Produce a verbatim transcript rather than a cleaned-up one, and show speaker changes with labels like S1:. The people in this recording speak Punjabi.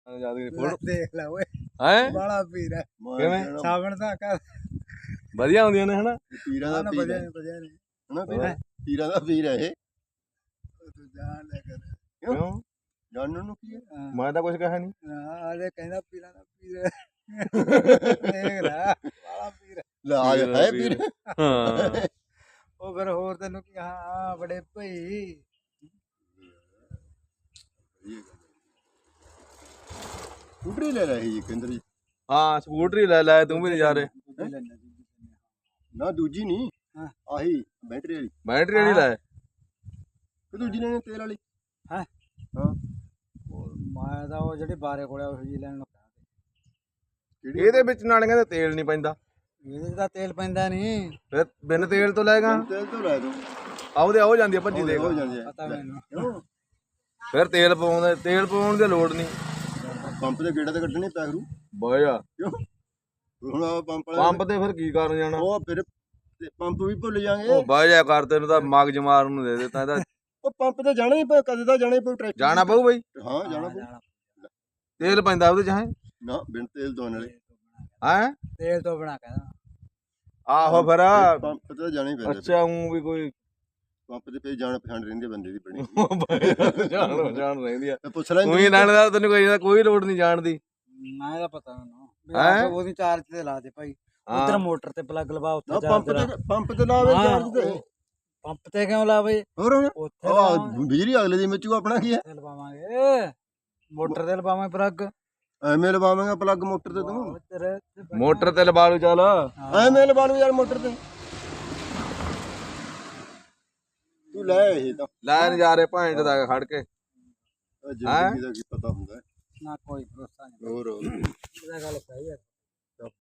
S1: ਦੇਖ ਲੈ ਓਏ
S2: ਹੈ
S1: ਬਾਲਾ ਪੀਰ ਹੈ
S2: ਕਿਵੇਂ
S1: ਸਾਵਣ ਦਾ ਕਰ
S2: ਵਧੀਆ ਆਉਂਦੀਆਂ ਨੇ ਹਨਾ
S3: ਪੀਰਾਂ ਦਾ ਪੀਰ
S1: ਵਧੀਆ
S3: ਹੈ
S1: ਨੇ ਵਧੀਆ ਨੇ
S3: ਹਨਾ ਪੀਰ ਪੀਰਾਂ ਦਾ ਪੀਰ ਹੈ ਇਹ
S1: ਤੂੰ ਜਾਣ ਲੈ ਕਰ
S2: ਕਿਉਂ
S3: ਜਾਣਨ ਨੂੰ ਕੀ ਹੈ
S2: ਮੈਂ ਤਾਂ ਕੁਝ ਕਿਹਾ ਨਹੀਂ
S1: ਹਾਂ ਆਲੇ ਕਹਿੰਦਾ ਪੀਰਾਂ ਦਾ ਪੀਰ ਹੈ ਦੇਖ ਲੈ ਬਾਲਾ ਪੀਰ ਹੈ
S3: ਲੈ ਆ ਗਿਆ ਹੈ ਪੀਰ
S2: ਹਾਂ
S1: ਉਹ ਫਿਰ ਹੋਰ ਤੈਨੂੰ ਕੀ ਹਾਂ ਬੜੇ ਭਈ
S3: ਸਕੂਟਰੀ ਲੈ ਰਹੀ ਜੀ ਕੇਂਦਰ ਜੀ
S2: ਹਾਂ ਸਕੂਟਰੀ ਲੈ ਲੈ ਤੂੰ ਵੀ ਨਜ਼ਾਰੇ
S3: ਨਾ ਦੂਜੀ ਨਹੀਂ
S1: ਹਾਂ।
S3: ਆਹੀ ਬੈਟਰੀ ਵਾਲੀ
S2: ਬੈਟਰੀ ਵਾਲੀ ਲੈ
S3: ਕਿ ਦੂਜੀ ਲੈਣੀ ਤੇਲ ਵਾਲੀ
S1: ਹੈਂ?
S3: ਹਾਂ
S1: ਮੈਂ ਤਾਂ ਉਹ ਜਿਹੜੀ ਬਾਰੇ ਕੋਲੇ ਉਹ ਜੀ ਲੈਣ ਨੂੰ ਕਹਿੰਦਾ
S3: ਕਿਹੜੀ
S2: ਇਹਦੇ ਵਿੱਚ ਨਾਲ ਕਹਿੰਦੇ ਤੇਲ ਨਹੀਂ ਪੈਂਦਾ
S1: ਇਹਦੇ 'ਚ ਤਾਂ ਤੇਲ ਪੈਂਦਾ ਨਹੀਂ
S2: ਫਿਰ ਬਿਨ ਤੇਲ ਤੋਂ ਲੈਗਾ
S3: ਤੇਲ ਤੋਂ ਲੈ ਦੋ
S2: ਆਉਦੇ ਆਉ ਜਾਂਦੀ ਆ ਭੱਜੀ ਦੇਖ
S3: ਹੋ ਜਾਂਦੇ ਆ
S1: ਪਤਾ ਮੈਨੂੰ
S3: ਕਿਉਂ
S2: ਫਿਰ ਤੇਲ ਪਾਉਂਦੇ ਤੇਲ ਪਾਉਣ ਦੀ ਲੋੜ ਨਹੀਂ
S3: ਪੰਪ ਦੇ ਗੇੜਾ ਤੇ ਕੱਢਣੇ ਪੈ ਕਰੂ
S2: ਬਹਿ ਜਾ
S3: ਕਿਉਂ ਹੁਣ ਆਹ ਪੰਪ ਵਾਲੇ
S2: ਪੰਪ ਤੇ ਫਿਰ ਕੀ ਕਰਨ ਜਾਣਾ
S3: ਉਹ ਫਿਰ ਤੇ ਪੰਪ ਵੀ ਭੁੱਲ ਜਾਾਂਗੇ
S2: ਉਹ ਬਹਿ ਜਾ ਕਰ ਤੈਨੂੰ ਤਾਂ ਮਗਜ ਮਾਰਨ ਨੂੰ ਦੇ ਦਿੱਤਾ ਇਹਦਾ
S3: ਉਹ ਪੰਪ ਤੇ ਜਾਣਾ ਹੀ ਪਊ ਕਦੇ ਤਾਂ ਜਾਣਾ ਹੀ ਪਊ ਟਰੈਕਟਰ
S2: ਜਾਣਾ ਪਊ ਬਈ
S3: ਹਾਂ ਜਾਣਾ ਪਊ
S2: ਤੇਲ ਪੈਂਦਾ ਉਹਦੇ ਚ ਹੈ
S3: ਨਾ ਬਿਨ ਤੇਲ ਤੋਂ ਨਾਲੇ
S2: ਹੈ
S1: ਤੇਲ ਤੋਂ ਬਣਾ ਕਹਿੰਦਾ
S2: ਆਹੋ ਫਿਰ
S3: ਪੰਪ ਤੇ ਜਾਣਾ ਹੀ ਪੈਂਦਾ
S2: ਅੱਛਾ ਉਹ ਵੀ ਕੋਈ
S3: ਪੰਪ ਤੇ ਪਈ ਜਾਣ ਪਛਾਣ ਰਹਿੰਦੀ ਆ ਬੰਦੇ ਦੀ ਬਣੀ
S2: ਜਾਣ ਜਾਣ ਰਹਿੰਦੀ ਆ
S3: ਤੇ ਪੁੱਛ ਲੈ
S2: ਕੋਈ ਨਾਲ ਦਾ ਤੈਨੂੰ ਕੋਈ ਕੋਈ ਲੋੜ ਨਹੀਂ ਜਾਣਦੀ
S1: ਨਾ ਇਹਦਾ ਪਤਾ ਮੈਨੂੰ
S2: ਹੈਂ?
S1: ਵੀ ਉਹਦੀ ਚਾਰਜ ਤੇ ਲਾ ਦੇ ਭਾਈ
S2: ਹਾਂ।
S1: ਉਧਰ ਮੋਟਰ ਤੇ ਪਲੱਗ ਲਵਾ
S3: ਨਾ
S1: ਉੱਥੇ
S3: ਪੰਪ
S1: ਚਾਰਜ
S3: ਤੇ ਪੰਪ ਤੇ ਲਾਵੇ ਚਾਰਜ ਤੇ
S1: ਪੰਪ ਤੇ ਕਿਉਂ ਲਾਵੇ
S3: ਹੋਰ ਹੁਣ
S1: ਉੱਥੇ
S3: ਆਹ
S1: ਲਾਵਾਂਗੇ,
S3: ਬਿਜਲੀ ਅਗਲੇ ਦੀ ਮਿੱਚੂ ਆਪਣਾ ਕੀ ਹੈ
S1: ਤੇ ਲਵਾਵਾਂਗੇ ਮੋਟਰ ਤੇ ਲਵਾਵਾਂਗੇ ਪਲੱਗ
S3: ਐਵੇਂ ਲਵਾਵਾਂਗਾ ਪਲੱਗ ਮੋਟਰ ਤੇ ਤੂੰ
S1: ਤੇਰੇ ਤੇ
S2: ਮੋਟਰ ਤੇ ਲਵਾ ਲੂ ਚੱਲ
S3: ਐਵੇਂ ਲਵਾ ਲੂ ਯਾਰ ਮੋਟਰ ਤੇ ਤੂੰ ਲੈ ਇਹ ਤਾਂ
S2: ਲੈ ਨਜ਼ਾਰੇ ਭਾਂਜ ਦਾ ਖੜ ਕੇ
S3: ਆਹ ਜ਼ਿੰਦਗੀ ਦਾ ਕੀ ਪਤਾ ਹੁੰਦਾ ਹੈ।
S1: ਨਾ ਕੋਈ ਭਰੋਸਾ ਨਹੀਂ
S3: ਹੋਰ
S1: ਇਹਦਾ ਗੱਲ ਸਹੀ ਹੈ